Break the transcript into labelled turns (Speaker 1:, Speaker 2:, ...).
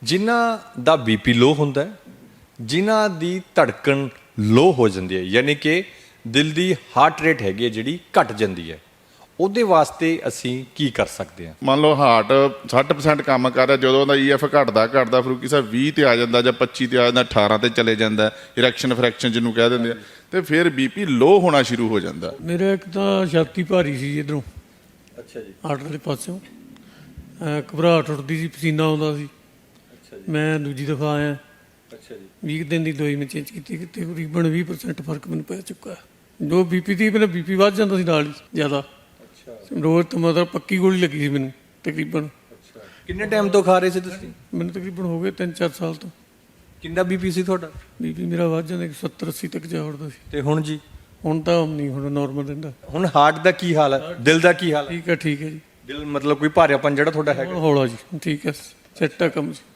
Speaker 1: ਜਿਨ੍ਹਾਂ ਦਾ BP low ਹੁੰਦਾ ਹੈ, ਜਿਨ੍ਹਾਂ ਦੀ ਧੜਕਣ ਲੋ ਹੋ ਜਾਂਦੀ ਹੈ, ਯਾਨੀ ਕਿ ਦਿਲ ਦੀ ਹਾਰਟ ਰੇਟ ਹੈਗੀ ਹੈ ਜਿਹੜੀ ਘਟ ਜਾਂਦੀ ਹੈ, ਉਹਦੇ ਵਾਸਤੇ ਅਸੀਂ ਕੀ ਕਰ ਸਕਦੇ ਹਾਂ?
Speaker 2: ਮੰਨ ਲਓ ਹਾਰਟ 60% ਕੰਮ ਕਰ ਰਿਹਾ, ਜਦੋਂ ਉਹਦਾ EF ਘਟਦਾ ਫਰੂਕੀ ਸਾਹਿਬ 20 ਤੇ ਆ ਜਾਂਦਾ ਜਾਂ 25 ਤੇ ਆ ਜਾਂਦਾ, 18 ਤੇ ਚਲੇ ਜਾਂਦਾ, ਇਰੈਕਸ਼ਨ ਫਰੈਕਸ਼ਨ ਜਿਹਨੂੰ ਕਹਿ ਦਿੰਦੇ ਆ, ਤੇ ਫਿਰ ਬੀਪੀ ਲੋ ਹੋਣਾ ਸ਼ੁਰੂ ਹੋ ਜਾਂਦਾ।
Speaker 3: ਮੇਰਾ ਇੱਕ ਤਾਂ ਛਾਤੀ ਭਾਰੀ ਸੀ ਇੱਧਰੋਂ,
Speaker 1: ਅੱਛਾ ਜੀ।
Speaker 3: ਹਾਰਟ ਵਾਲੇ ਪਾਸਿਓਂ ਘਬਰਾਹਟ ਉੱਠਦੀ ਸੀ, ਪਸੀਨਾ ਆਉਂਦਾ ਸੀ। ਮੈਂ ਦੂਜੀ ਦਫਾ ਆਇਆ।
Speaker 1: ਅੱਛਾ ਜੀ।
Speaker 3: 20 ਦਿਨ ਦੀ ਦਵਾਈ ਮੈਂ ਚੇਂਜ ਕੀਤੀ, ਤਕਰੀਬਨ 20% ਫਰਕ ਮੈਨੂੰ ਪੈ ਚੁੱਕਾ ਹੈ। ਜੋ ਬੀਪੀ ਦੀ ਮੇਰਾ ਬੀਪੀ ਵੱਧ ਜਾਂਦਾ ਸੀ ਨਾਲ ਹੀ ਜ਼ਿਆਦਾ, ਰੋਜ਼ ਤੋਂ ਮਤਲਬ ਪੱਕੀ ਗੋਲੀ ਲੱਗੀ ਸੀ ਮੈਨੂੰ ਤਕਰੀਬਨ।
Speaker 1: ਕਿੰਨੇ ਟਾਈਮ ਤੋਂ ਖਾ ਰਹੇ ਸੀ ਤੁਸੀਂ?
Speaker 3: ਮੈਨੂੰ ਤਕਰੀਬਨ ਹੋ ਗਏ 3-4 ਸਾਲ ਤੋਂ।
Speaker 1: ਕਿੰਨਾ ਬੀਪੀ ਸੀ ਤੁਹਾਡਾ?
Speaker 3: ਬੀਪੀ ਮੇਰਾ ਵੱਧ ਜਾਂਦਾ 70-80 ਤੱਕ ਜਾ ਉੱਠਦਾ ਸੀ।
Speaker 1: ਤੇ ਹੁਣ ਜੀ?
Speaker 3: ਹੁਣ ਤਾਂ ਨਹੀਂ, ਹੁਣ ਨਾਰਮਲ ਰਹਿੰਦਾ।
Speaker 1: ਹੁਣ ਹਾਰਟ ਦਾ ਕੀ ਹਾਲ ਹੈ, ਦਿਲ ਦਾ ਕੀ ਹਾਲ ਹੈ?
Speaker 3: ਠੀਕ ਹੈ ਜੀ।
Speaker 1: ਦਿਲ ਮਤਲਬ ਕੋਈ ਭਾਰਾਪਨ ਜਿਹੜਾ ਤੁਹਾਡਾ ਹੈਗਾ?
Speaker 3: ਹੌਲਾ ਜੀ, ਠੀਕ ਹੈ, ਸੈੱਟ ਆ ਕੰਮ ਜੀ।